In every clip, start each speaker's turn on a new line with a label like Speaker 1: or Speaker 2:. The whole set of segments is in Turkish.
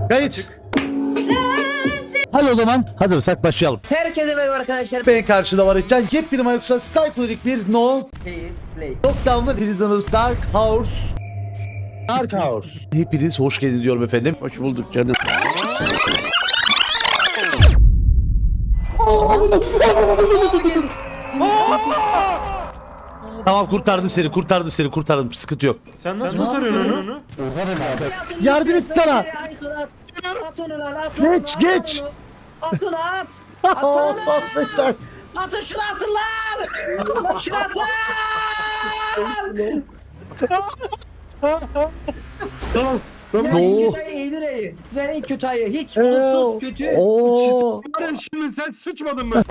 Speaker 1: Kayıt. Hadi o zaman hazırsak başlayalım.
Speaker 2: Herkese merhaba arkadaşlar.
Speaker 1: Ben karşıda var Can. Yepyeni Mayoksa psikolojik bir No
Speaker 2: Fair Play.
Speaker 1: Lockdown'da Prisoners Dark House. Dark House. Hepiniz hoş geldiniz diyorum efendim. Hoş bulduk canım. Tamam kurtardım seni. Sıkıntı yok.
Speaker 3: Sen nasıl kurtarıyorsun onu?
Speaker 1: Yardım et sana.
Speaker 2: At onu lan, at
Speaker 1: Geç,
Speaker 2: onu,
Speaker 1: geç.
Speaker 2: At onu at. Atsana lan. Atın şunu atın lan. Lan şunu atın.
Speaker 1: No.
Speaker 2: Kötü ayı Eylül ayı. Yani kötü ayı. Hiç mutsuz kötü.
Speaker 1: Oo.
Speaker 3: Şimdi sen sıçmadın mı?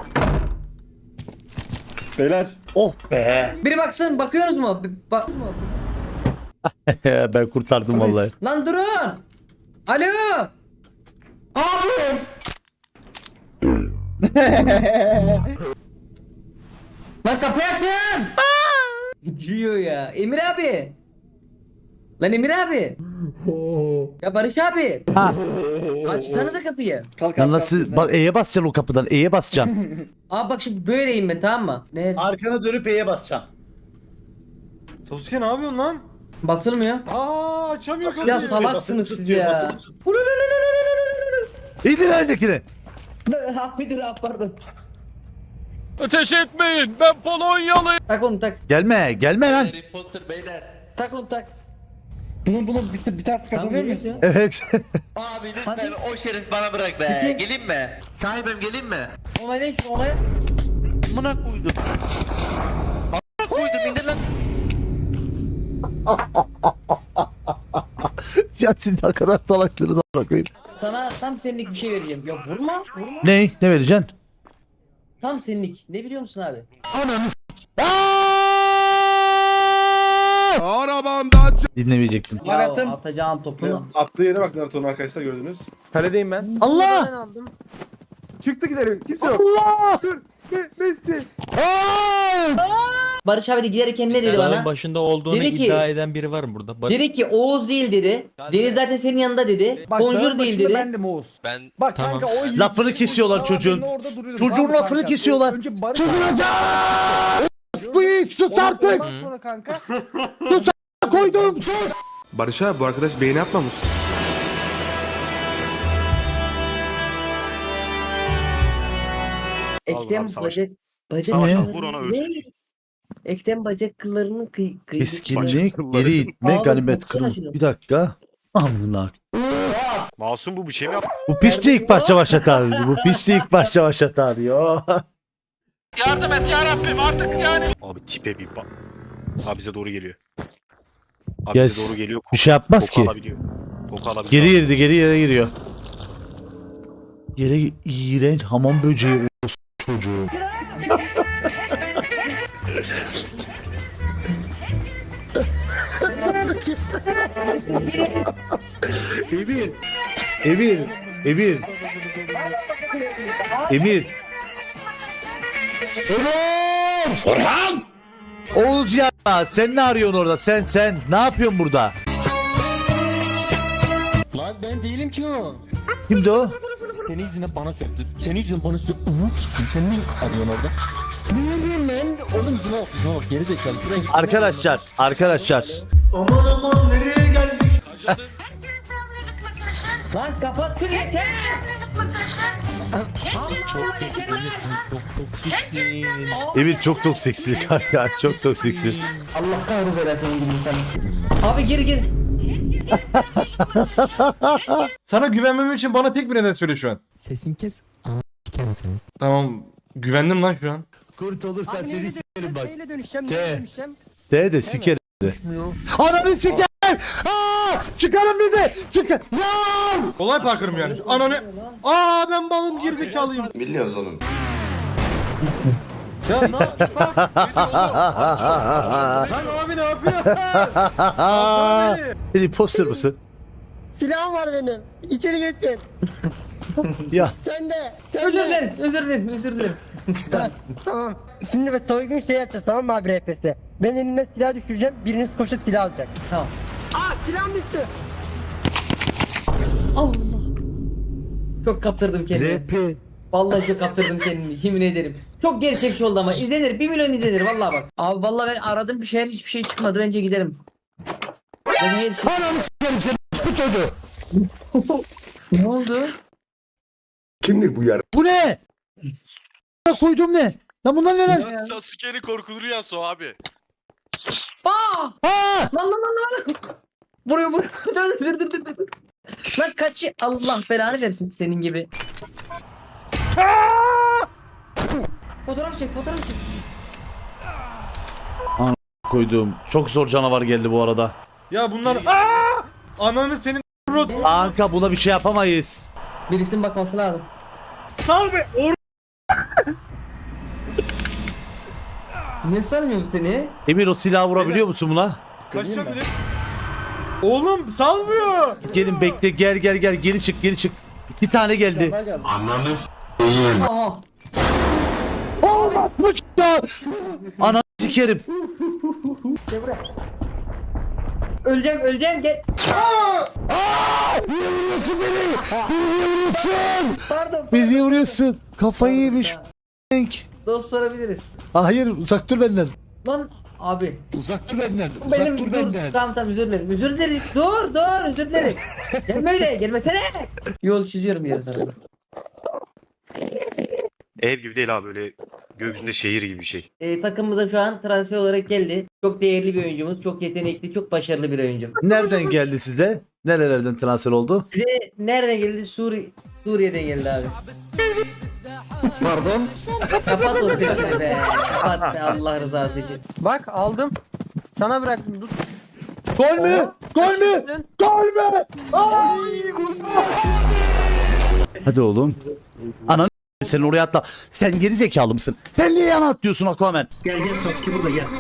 Speaker 4: Beyler.
Speaker 1: Oh be.
Speaker 2: Biri baksın, bakıyoruz mu? Bak.
Speaker 1: Ben kurtardım vallahi.
Speaker 2: Lan durun. Alo. Abi. Lan kapıyı açın. Giyiyor ya. Emir abi. Lan Emir abi. Ya Barış abi.
Speaker 1: Ha.
Speaker 2: Açsanıza kapıyı.
Speaker 4: Kalk
Speaker 1: Ya nasıl? Bak E'ye basacaksın o kapıdan. E'ye basacaksın.
Speaker 2: Abi bak şimdi böyleyim ben, tamam mı? Ne?
Speaker 1: Arkana dönüp E'ye basacaksın.
Speaker 3: Sasuke ne yapıyorsun lan?
Speaker 2: Basılmıyor.
Speaker 3: Açamıyor
Speaker 2: Ya
Speaker 3: kapıyı.
Speaker 2: salaksınız siz ya.
Speaker 1: İndir öndekini.
Speaker 2: Abi dur abi, pardon.
Speaker 5: Ateş etmeyin. Ben Polonyalıyım.
Speaker 2: Tak onu tak.
Speaker 1: Gelme lan.
Speaker 6: Harry Potter beyler.
Speaker 2: Tak onu tak.
Speaker 4: Bunu bir ters kazanıyor muyuz?
Speaker 2: ya.
Speaker 1: Evet.
Speaker 6: Abi lütfen
Speaker 2: Hadi.
Speaker 6: o şerif bana bırak be.
Speaker 2: Peki.
Speaker 6: Geleyim mi? Sahibim geleyim mi?
Speaker 2: Onaylayın şunu, onayla.
Speaker 6: Amına koydum. Amına koydum indir lan.
Speaker 1: Ya siz ne kadar salaklığını da bırakayım.
Speaker 2: Sana tam senlik bir şey vereceğim. Ya vurma.
Speaker 1: Ne vereceksin?
Speaker 2: Tam senlik. Ne biliyor musun abi?
Speaker 1: Dinlemeyecektim.
Speaker 2: Ya
Speaker 4: attım.
Speaker 2: atacağın topunu.
Speaker 4: Attığı yere bak Naruto'nun arkadaşlar gördünüz.
Speaker 3: Kaledeyim ben.
Speaker 1: Allah!
Speaker 3: Çıktı gidelim. Kimse yok.
Speaker 1: Allah!
Speaker 3: Messi.
Speaker 2: Barış abi de giderken ne dedi
Speaker 5: Dağın
Speaker 2: bana?
Speaker 5: başında olduğunu
Speaker 2: Dedi ki-
Speaker 5: iddia eden biri var mı burada?
Speaker 2: Dedi ki Oğuz değil dedi. Deniz zaten senin yanında dedi. Bonjour değil dedi.
Speaker 3: Bendim Oğuz.
Speaker 6: Ben
Speaker 3: Bak
Speaker 5: Tamam.
Speaker 3: kanka o
Speaker 1: Lafını kesiyorlar çocuğun. Çocuğun lafını kesiyorlar. Çıldıracağım! Bu ilk sus artık!
Speaker 3: Ondan sonra kanka.
Speaker 1: Koydum sus!
Speaker 7: Barış abi bu arkadaş beğeni atmamış.
Speaker 2: Eklem bacak
Speaker 1: Ne?
Speaker 6: Vur ona ölsün.
Speaker 2: Ne? Eklem bacak kıllarının
Speaker 1: Keskinlik, geri itme,
Speaker 2: Abi,
Speaker 1: ganimet
Speaker 2: baksana
Speaker 1: kırım.
Speaker 2: şunu.
Speaker 1: Bir dakika. Amına.
Speaker 6: Masum bu bir şey mi yaptı?
Speaker 1: Bu piçli ilk başta başlatar. Bu piçli ilk başta başlatar diyor.
Speaker 6: Yardım et ya Rabbim artık yani. Abi tipe bir bak. Abi bize doğru geliyor. Abi
Speaker 1: Yes.
Speaker 6: bize doğru geliyor.
Speaker 1: Bir şey yapmaz
Speaker 6: Koku
Speaker 1: ki.
Speaker 6: alabiliyor. Koku alabiliyor.
Speaker 1: Geri girdi, geri yere giriyor. Yere iğrenç hamam böceği çocuğu. Emir. Emir. Emir. Emir. Emir. Orhan. Oğuz ya sen ne arıyorsun orada? Sen ne yapıyorsun burada?
Speaker 5: Lan ben değilim ki o.
Speaker 1: Kimdi o?
Speaker 5: Senin yüzünden bana söktü. Senin yüzünden bana söktü. Sen ne arıyorsun orada? Ne bileyim ben? Oğlum yüzüme bak geri zekalı. Şuraya git.
Speaker 1: Arkadaşlar.
Speaker 2: Lan kapat şunu yeter.
Speaker 5: Çok toksiksin.
Speaker 1: Emir çok toksiksin kanka. Çok toksiksin.
Speaker 2: Allah kahretsin senin gibi insan. Abi gir.
Speaker 3: Sana güvenmem için bana tek bir neden söyle şu an.
Speaker 5: Sesin kes.
Speaker 3: Tamam. Güvendim lan şu an.
Speaker 1: Kurt olursan seni sikerim bak.
Speaker 8: Neyle dönüşeceğim?
Speaker 1: T.
Speaker 8: Neyle dönüşeceğim?
Speaker 1: De sikerim. Ananı sikerim. Aa! Çıkarın bizi. Çıkar. Ya!
Speaker 3: Olay parkırım yani. Ananı. Ben balım gerizekalıyım.
Speaker 7: Biliyoruz oğlum.
Speaker 3: Ya ne yapıyorsun? Lan abi ne yapıyor? Alsana beni.
Speaker 1: Sen imposter mısın?
Speaker 8: Silahım var benim. İçeri geçin.
Speaker 1: Ya
Speaker 8: Sen de.
Speaker 2: Özür dilerim.
Speaker 8: Tamam. Şimdi ve soygun şey yapacağız, tamam mı abi RPS? Ben eline silah düşüreceğim. Biriniz koşup silah alacak.
Speaker 2: Tamam.
Speaker 8: Silahım düştü.
Speaker 2: Allah. Çok kaptırdım kendimi. Vallahi çok kaptırdım kendimi. Yemin ederim. Çok gerçekçi oldu ama izlenir. 1 milyon izlenir vallahi bak. Abi vallahi ben aradım bir şeyler hiçbir şey çıkmadı. Bence gidelim. Ben her şey...
Speaker 1: Ananı s**erim seni bu çocuğu.
Speaker 2: Ne oldu?
Speaker 7: Kimdir bu yar?
Speaker 1: Bu ne? Koyduğum ne? Lan bunlar ne lan?
Speaker 6: Sasuke'nin korkulu rüyası o abi.
Speaker 2: Aa!
Speaker 1: Aa!
Speaker 2: Lan. Vuruyor. Dur. Lan kaç. Allah belanı versin senin gibi. Fotoğraf çek.
Speaker 1: Koyduğum çok zor canavar geldi bu arada.
Speaker 3: Ya bunlar ananı senin
Speaker 1: Kanka buna bir şey yapamayız.
Speaker 2: Birisinin bakması lazım.
Speaker 3: sal be.
Speaker 2: Niye sarmıyorum seni?
Speaker 1: Emir o silahı vurabiliyor musun buna?
Speaker 3: Kaçacağım direkt. Oğlum salmıyor.
Speaker 1: Gelin bekle gel geri çık 2 tane geldi.
Speaker 2: Aha.
Speaker 1: Bu çıktı. Ananı sikerim.
Speaker 2: Öleceğim gel.
Speaker 1: Niye vuruyorsun beni? Niye vuruyorsun?
Speaker 2: Pardon.
Speaker 1: Beni niye vuruyorsun? Kafayı yemiş.
Speaker 2: Dost sorabiliriz.
Speaker 1: Hayır uzak dur benden.
Speaker 2: Lan abi.
Speaker 5: Uzak dur benden.
Speaker 2: Benim dur. Tamam özür dilerim. Özür dilerim. Dur özür dilerim. Gelme öyle gelmesene. Yol çiziyorum diğer tarafa.
Speaker 6: Ev gibi değil abi, böyle gökyüzünde şehir gibi bir şey.
Speaker 2: Takımımıza şu an transfer olarak geldi. Çok değerli bir oyuncumuz. Çok yetenekli. Çok başarılı bir oyuncu.
Speaker 1: Nereden geldi size? Nerelerden transfer oldu?
Speaker 2: Bize nereden geldi? Suriye'den geldi abi.
Speaker 8: Pardon.
Speaker 2: Kapat o sesini be. Kapat Allah rızası için.
Speaker 8: Bak aldım. Sana bıraktım. Dur.
Speaker 1: Gol mü? Gol mü? Gol mü? Ay! Hadi oğlum. Ananı sen oraya atla. Sen geri zekalı mısın? Sen niye yana atlıyorsun Aquaman?
Speaker 2: Gel Sasuke burada gel.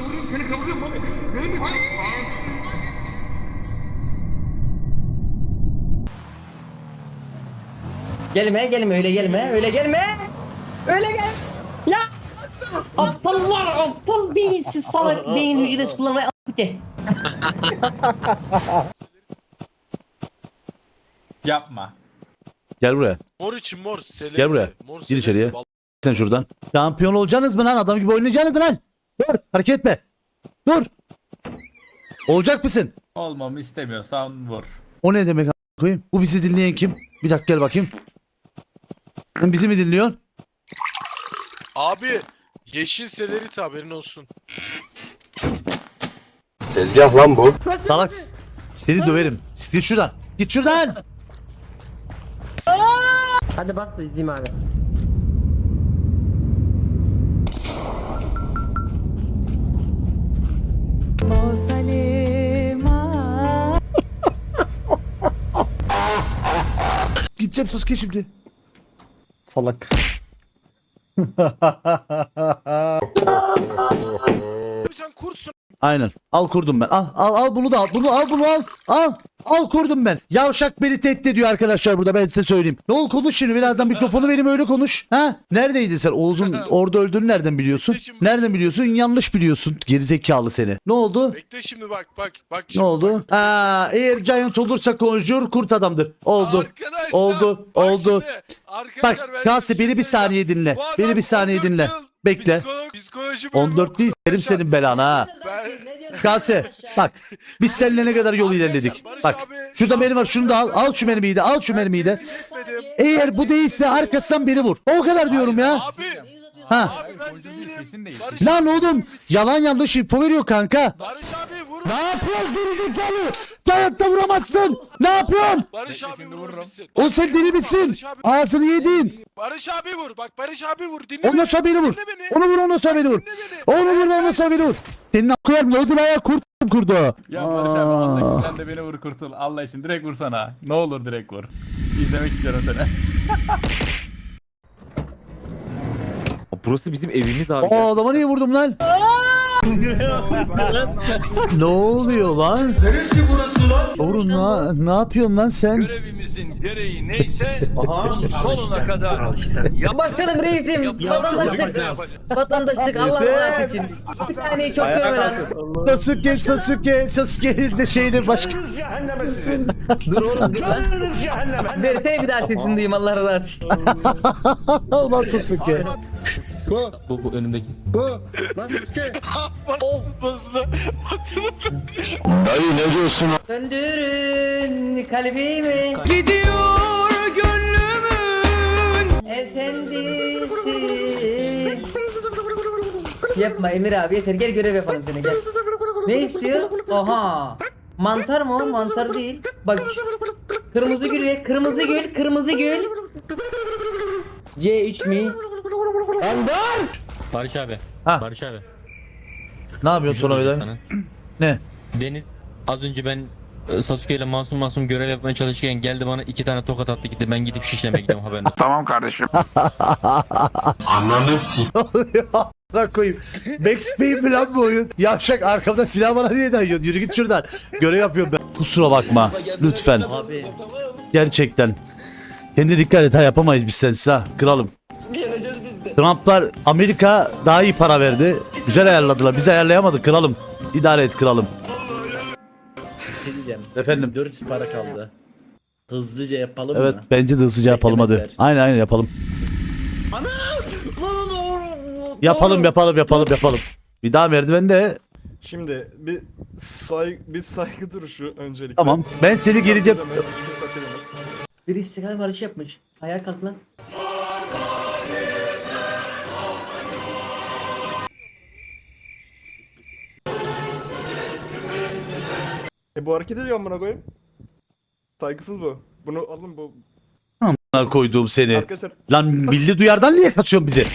Speaker 2: Gelme öyle gelme. Öyle gel. Ya aptallar aptal beyinsiz salak beyin hücresi kullanmayı a**ke.
Speaker 9: Yapma.
Speaker 1: Gel buraya.
Speaker 6: Mor için mor.
Speaker 1: Gel buraya. Gir içeriye. Sen şuradan. Şampiyon olacaksınız mı lan? Adam gibi oynayacaksınız mı lan? Dur. Hareket etme. Dur. Olacak mısın?
Speaker 9: Olmamı istemiyorsan vur.
Speaker 1: O ne demek a**ına koyayım? Bu bizi dinleyen kim? Bir dakika gel bakayım. Sen bizi mi dinliyorsun?
Speaker 6: Abi yeşil selerit haberin olsun.
Speaker 7: Tezgah lan bu.
Speaker 1: Salak. Seni döverim. Git şuradan. Git şuradan.
Speaker 8: Hadi bas da izleyeyim abi.
Speaker 1: Gideceğim Sasuke şimdi.
Speaker 5: Salak.
Speaker 6: Abi sen kurtsun.
Speaker 1: Aynen. Al kurdum ben. Al bunu da al. Bunu al. Al kurdum ben. Yavşak beni tehdit ediyor arkadaşlar burada, ben size söyleyeyim. Ne ol konuş şimdi, birazdan mikrofonu vereyim öyle konuş. Ha? Neredeydin sen? Oğuz'un orada öldüğünü nereden biliyorsun? Nereden biliyorsun? Yanlış biliyorsun. Gerizekalı seni. Ne oldu?
Speaker 6: Bekle şimdi bak
Speaker 1: Ne
Speaker 6: şimdi.
Speaker 1: oldu? Eğer Giant olursa Conjure kurt adamdır. Oldu.
Speaker 6: Arkadaşlar,
Speaker 1: Oldu.
Speaker 6: bak
Speaker 1: oldu.
Speaker 6: şimdi, arkadaşlar, ben
Speaker 1: Bak Kalsi
Speaker 6: size
Speaker 1: beni bir
Speaker 6: şey söyleyeceğim.
Speaker 1: saniye dinle.
Speaker 6: Bu adam
Speaker 1: Beni bir saniye
Speaker 6: 14
Speaker 1: dinle.
Speaker 6: yıl
Speaker 1: Bekle.
Speaker 6: Psikoloji bölümü
Speaker 1: 14 değil, verim
Speaker 6: arkadaşlar.
Speaker 1: senin belanı ha. Kalse bak biz seninle ne kadar yol ilerledik. Bak şurada benim var, şunu da al. Al şu mermiyi de, al şu mermiyi de.
Speaker 6: Etmedim.
Speaker 1: Eğer bu değilse arkasından beni vur. O kadar diyorum ya.
Speaker 6: Abi.
Speaker 1: Ha.
Speaker 6: Abi ben değilim.
Speaker 9: Kesin değil.
Speaker 6: Barış
Speaker 1: Lan
Speaker 6: abi,
Speaker 1: oğlum yalan yanlış info veriyor kanka.
Speaker 6: Barış abi vur.
Speaker 1: Ne yapıyorsun gerizekalı? Dayatta vuramazsın. Ne yapıyorsun?
Speaker 6: Barış abi vur bitsin.
Speaker 1: Oğlum sen deli misin?
Speaker 6: Barış abi,
Speaker 1: Ağzını yedin.
Speaker 6: Barış abi vur. Bak Barış abi vur. Dinle
Speaker 1: Ondan sonra beni vur.
Speaker 6: Dinle beni.
Speaker 1: Onu vur, ondan sonra beni vur.
Speaker 6: Dinle beni.
Speaker 1: Onu vur, ondan sonra beni vur. Senin akıyar mı? Ödül ayağı kurdu.
Speaker 9: Ya Barış abi Allah için sen de beni vur kurtul. Allah için direkt vursana. Ne olur direkt vur. İzlemek istiyorum seni.
Speaker 5: Burası bizim evimiz abi.
Speaker 1: O adama niye vurdum lan? Ne oluyor lan? Neresi burası lan? Oğlum ne yapıyorsun lan sen?
Speaker 10: Görevimizin gereği neyse sonuna kadar.
Speaker 2: Başkanım reisim. Vatandaşlık Allah razı için. Bir taneyi çok sevme lan.
Speaker 1: Sasuke'nin de şeydir başka.
Speaker 2: Dur oğlum dur lan. Versene bir daha sesini duyayım Allah razı için.
Speaker 1: Ulan Sasuke.
Speaker 5: Bu önümdeki.
Speaker 2: Döndürün kalbimi. Gidiyor gönlümün efendisi. Yapma Emir abi yeter gel görev yapalım seni gel. Ne istiyor? Oha. Mantar mı o? Mantar değil. Bak kırmızı gül ye. Kırmızı gül. Kırmızı gül. C3 mi?
Speaker 5: Barış abi.
Speaker 1: Ha.
Speaker 5: Barış abi.
Speaker 1: Ne yapıyorsun sonra beden?
Speaker 5: Sana.
Speaker 1: Ne?
Speaker 5: Deniz az önce ben Sasuke ile masum görev yapmaya çalışırken geldi bana 2 tane tokat attı gitti. Ben gidip şişlemeye gidiyorum haberin olsun.
Speaker 6: Tamam kardeşim.
Speaker 1: Bırak koyayım. Max Payne mi lan bu oyun? Yavşak arkamda silah bana niye dayıyorsun? Yürü git şuradan. Görev yapıyorum ben. Kusura bakma. Lütfen. Gerçekten. Kendine dikkat et ha, yapamayız biz sensiz ha. Kralım. Trumplar Amerika daha iyi para verdi. Güzel ayarladılar. Biz ayarlayamadık kralım. İdare et kralım.
Speaker 11: Bir şey diyeceğim.
Speaker 1: Efendim.
Speaker 11: 4 para kaldı. Hızlıca yapalım
Speaker 1: Evet
Speaker 11: mı?
Speaker 1: bence de hızlıca yapalım hadi.
Speaker 11: Beklemezler.
Speaker 1: Aynen yapalım. Yapalım. Bir daha merdivende.
Speaker 3: Şimdi bir saygı duruşu öncelikle.
Speaker 1: Tamam. Ben seni geleceğim.
Speaker 2: Biri istiklal marşı yapmış. Ayağa kalk lan.
Speaker 3: Bu hareket ediyor amına koyayım. Saygısız bu. Bunu alın bu.
Speaker 1: Amına koyduğum seni.
Speaker 3: Arkadaşlar
Speaker 1: Lan milli duyardan niye kaçıyorsun bizi?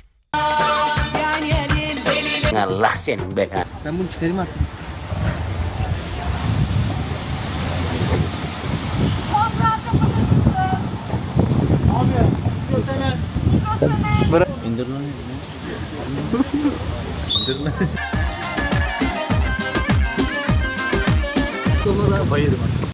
Speaker 2: Ben bunu çıkarayım artık.
Speaker 11: İndir lan.
Speaker 1: Kafayı yedim artık.